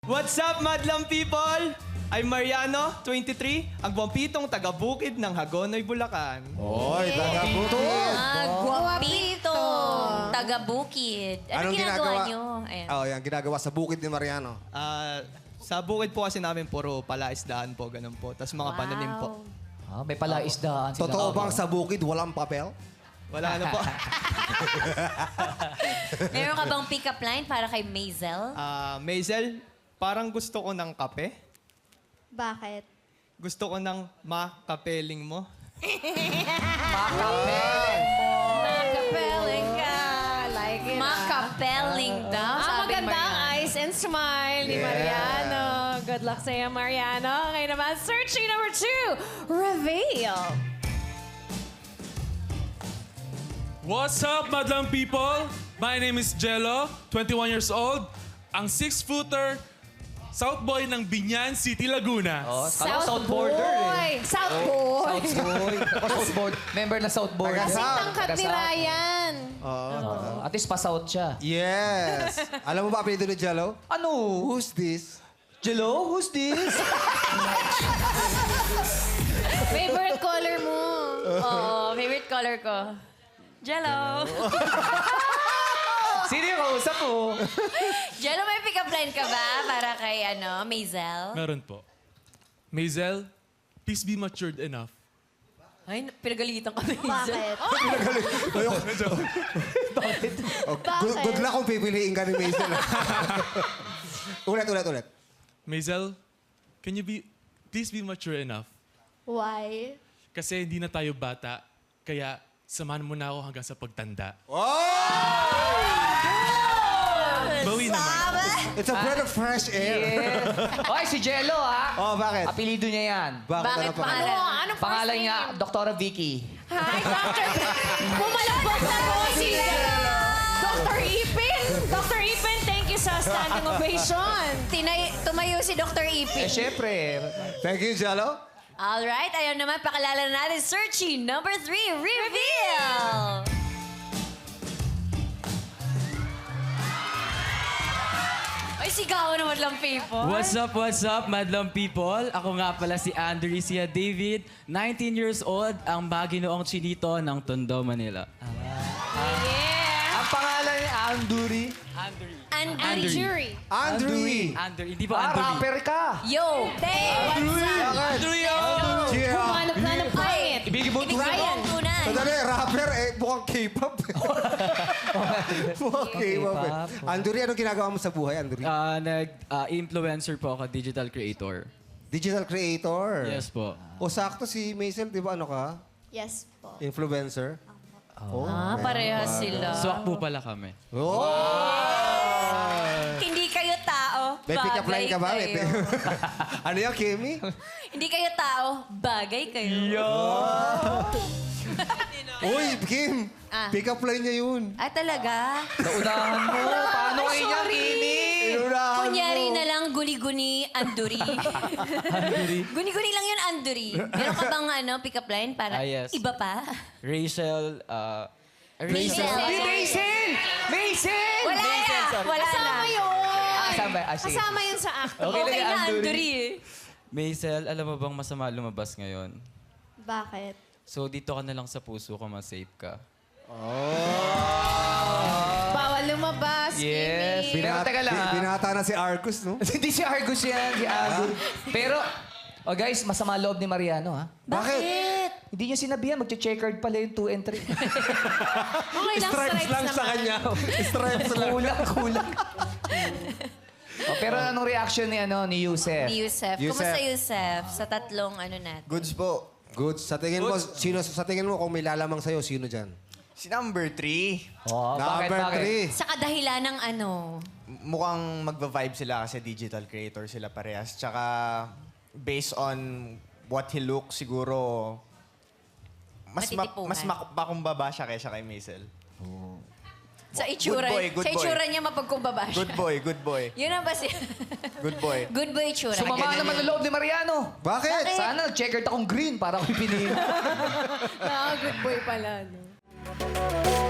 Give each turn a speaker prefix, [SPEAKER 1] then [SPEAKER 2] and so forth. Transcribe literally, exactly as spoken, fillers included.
[SPEAKER 1] What's up, madlang people? I'm Mariano, twenty-three, ang buwampitong taga-bukid ng Hagonoy, Bulacan.
[SPEAKER 2] Oy, taga-bukid.
[SPEAKER 3] Ah, guwapito. Taga-bukid. Ano
[SPEAKER 2] Anong
[SPEAKER 3] ginagawa
[SPEAKER 2] ginagawa?
[SPEAKER 3] nyo? Ayan.
[SPEAKER 2] Oh, yan, ginagawa sa bukid ni Mariano.
[SPEAKER 1] Ah, sa bukid po kasi namin puro palaisdaan po, ganun po. Tapos mga pananim po.
[SPEAKER 4] Ah, may palaisdaan sila.
[SPEAKER 2] Totoo bang sa bukid walang papel?
[SPEAKER 1] Wala na po.
[SPEAKER 3] Meron ka bang pick-up line para kay Maisel?
[SPEAKER 1] Ah, Maisel, parang gusto ko ng kape.
[SPEAKER 5] Bakit?
[SPEAKER 1] Gusto ko ng makapeling mo.
[SPEAKER 6] Makapeling ka. Like it.
[SPEAKER 3] Makapeling daw,
[SPEAKER 6] Ah,
[SPEAKER 3] sabi
[SPEAKER 6] maganda ang
[SPEAKER 3] Mariano.
[SPEAKER 6] eyes and smile ni
[SPEAKER 2] Yeah.
[SPEAKER 6] Mariano. Good luck sa'yo, Mariano. Ngayon naman, searching number two, reveal.
[SPEAKER 7] What's up, madlang people? My name is Jello, twenty-one years old, ang six-footer, South Boy ng Binyan City, Laguna.
[SPEAKER 4] Oh, South, South Border eh.
[SPEAKER 6] South Boy.
[SPEAKER 4] South Boy. Ako South Board. Member na South Board.
[SPEAKER 2] Taga
[SPEAKER 6] Kasi
[SPEAKER 2] South.
[SPEAKER 6] tangkat ni
[SPEAKER 4] Taga-South.
[SPEAKER 6] Ryan.
[SPEAKER 4] Oh, at least pa-South siya.
[SPEAKER 2] Yes. Alam mo ba apelido ni Jello?
[SPEAKER 4] Ano?
[SPEAKER 2] Who's this?
[SPEAKER 4] Jello? Who's this?
[SPEAKER 6] Favorite color mo.
[SPEAKER 3] Oo, favorite color ko. Jello.
[SPEAKER 4] Sino yung kausap mo?
[SPEAKER 3] Jello, may pick-up line ka ba para kay ano, Maisel?
[SPEAKER 7] Meron po. Maisel, please be matured enough.
[SPEAKER 3] Ay, pinagalitan ka, Maisel.
[SPEAKER 5] Bakit?
[SPEAKER 2] Oh, good, good luck kung pipiliin ka ni Maisel. ulit, ulit, ulit.
[SPEAKER 7] Maisel, can you be, please be mature enough?
[SPEAKER 5] Why?
[SPEAKER 7] Kasi hindi na tayo bata, kaya samahan mo na ako hanggang sa pagtanda. Bawi naman.
[SPEAKER 2] It's a breath of fresh air.
[SPEAKER 4] Oy, si Jello ha.
[SPEAKER 2] Oh, bakit?
[SPEAKER 4] Apelido niya yan.
[SPEAKER 2] Bakit?
[SPEAKER 3] Bakit
[SPEAKER 2] Ano pa?
[SPEAKER 3] pangalan?
[SPEAKER 6] Ano? Anong first
[SPEAKER 4] Pangalan
[SPEAKER 6] name?
[SPEAKER 4] niya, Doktora Vicky.
[SPEAKER 6] Hi, Doctor Pumalabog na po si Doctor Ipin. Doctor Ipin, thank you sa standing ovation.
[SPEAKER 3] Tinay, tumayo si Doctor
[SPEAKER 4] Eh,
[SPEAKER 3] Ipin.
[SPEAKER 4] syempre.
[SPEAKER 2] Thank you, Jello.
[SPEAKER 3] Alright, ayaw naman, pakilala na natin. Searching number three, reveal! Ay, sigaw naman lang, people.
[SPEAKER 8] What's up, what's up, madlang people? Ako nga pala si Andresia David, nineteen years old, ang baginoong chinito ng Tondo, Manila.
[SPEAKER 6] Yeah.
[SPEAKER 4] Ang pangalan niya, Anduri.
[SPEAKER 8] Andrew.
[SPEAKER 3] Andrew.
[SPEAKER 6] Jury.
[SPEAKER 2] Andrew.
[SPEAKER 8] Andrew, hindi po
[SPEAKER 4] Ah,
[SPEAKER 8] Andrew.
[SPEAKER 4] rapper ka.
[SPEAKER 3] Yo! Hey, what's up?
[SPEAKER 7] Andrew, yo!
[SPEAKER 2] Yeah.
[SPEAKER 6] Humanap na ng pangit.
[SPEAKER 4] Ibigay mo
[SPEAKER 3] Ryan. Tunan.
[SPEAKER 2] Sandali, rapper eh, mukhang K-pop. mukhang K-pop eh. Anduri, anong ginagawa mo sa buhay, Anduri?
[SPEAKER 8] Ah, nag-influencer po ako, digital creator.
[SPEAKER 2] Digital creator.
[SPEAKER 8] Yes po.
[SPEAKER 2] O sakto si Maisel, di ba ano ka?
[SPEAKER 5] Yes po.
[SPEAKER 2] Influencer. Oh.
[SPEAKER 3] Ah, parehas sila.
[SPEAKER 8] Swak po pala kami.
[SPEAKER 2] Oh!
[SPEAKER 3] Hindi kayo tao,
[SPEAKER 2] May pick-up line ka ba? May
[SPEAKER 3] bagay kayo.
[SPEAKER 2] ano yan, Kimmy?
[SPEAKER 3] Hindi kayo tao, bagay kayo.
[SPEAKER 2] Uy, Kim!
[SPEAKER 3] Ah.
[SPEAKER 2] Pick-up line niya yun.
[SPEAKER 3] Ah, talaga?
[SPEAKER 4] Naunahan mo. Paano kayo niya, Kimi?
[SPEAKER 2] Inunahan
[SPEAKER 3] Kunyari
[SPEAKER 2] mo.
[SPEAKER 3] na lang guni-guni, anduri. Guni-guni lang yun, anduri. Meron ka bang ano, pick-up line para
[SPEAKER 8] Ah, yes.
[SPEAKER 3] iba pa?
[SPEAKER 8] Rachel, ah...
[SPEAKER 3] Rachel.
[SPEAKER 4] Di Maisel! Maisel!
[SPEAKER 3] Wala na! Wala na.
[SPEAKER 6] Kasama yun.
[SPEAKER 4] Ah, kasama. Ah, sige.
[SPEAKER 6] Kasama yun sa act.
[SPEAKER 8] Okay,
[SPEAKER 3] Okay
[SPEAKER 8] lang,
[SPEAKER 3] na,
[SPEAKER 8] Anduri.
[SPEAKER 3] anduri eh.
[SPEAKER 8] Maisel, alam mo bang masama lumabas ngayon?
[SPEAKER 5] Bakit?
[SPEAKER 8] So, dito ka na lang sa puso ko, mas safe ka.
[SPEAKER 6] Bawal lumabas,
[SPEAKER 4] Yes.
[SPEAKER 6] Kimi.
[SPEAKER 4] Pero teka lang,
[SPEAKER 2] bi-
[SPEAKER 4] ah.
[SPEAKER 2] binata na si Arcus, no?
[SPEAKER 4] Hindi si Argus yan, si Argus. Pero, oh guys, masama loob ni Mariano, ha?
[SPEAKER 3] Bakit?
[SPEAKER 4] Hindi niya sinabihan, magche-checkered pala yung two and three.
[SPEAKER 6] Okay lang, stripes
[SPEAKER 2] lang sa
[SPEAKER 6] naman.
[SPEAKER 2] kanya. Stripes lang.
[SPEAKER 4] kulang, kulang. oh, pero anong reaction ni ano ni Yusef?
[SPEAKER 3] Ni Yusef.
[SPEAKER 2] Yusef.
[SPEAKER 3] Kumusta Yusef? Sa tatlong ano natin.
[SPEAKER 9] Goods po.
[SPEAKER 2] Good. Sa tingin mo, sino sa tingin mo kung may lalamang sa'yo, sino dyan?
[SPEAKER 9] Si number three,
[SPEAKER 4] Oh, bakit,
[SPEAKER 2] Number
[SPEAKER 4] bakit?
[SPEAKER 2] three.
[SPEAKER 3] Sa kadahilan ng ano?
[SPEAKER 9] m- mukhang magva-vibe sila kasi digital creator sila parehas. Tsaka based on what he looks, siguro mas ma-
[SPEAKER 3] Matitipungan.
[SPEAKER 9] mas mak- makumbaba siya kaysa kay Maisel.
[SPEAKER 3] Sa itsura,
[SPEAKER 9] Good boy, good
[SPEAKER 3] sa itsura
[SPEAKER 9] boy.
[SPEAKER 3] niya mapagkumbaba siya.
[SPEAKER 9] Good boy, good boy.
[SPEAKER 3] Yun ang basi.
[SPEAKER 9] Good boy.
[SPEAKER 3] Good boy itsura.
[SPEAKER 4] Sumama
[SPEAKER 9] Ganyan
[SPEAKER 4] naman
[SPEAKER 9] yun.
[SPEAKER 4] ang loob ni Mariano.
[SPEAKER 2] Bakit?
[SPEAKER 4] Sana nag-checkered akong green para ako pinili.
[SPEAKER 6] Ah, good boy pala, no?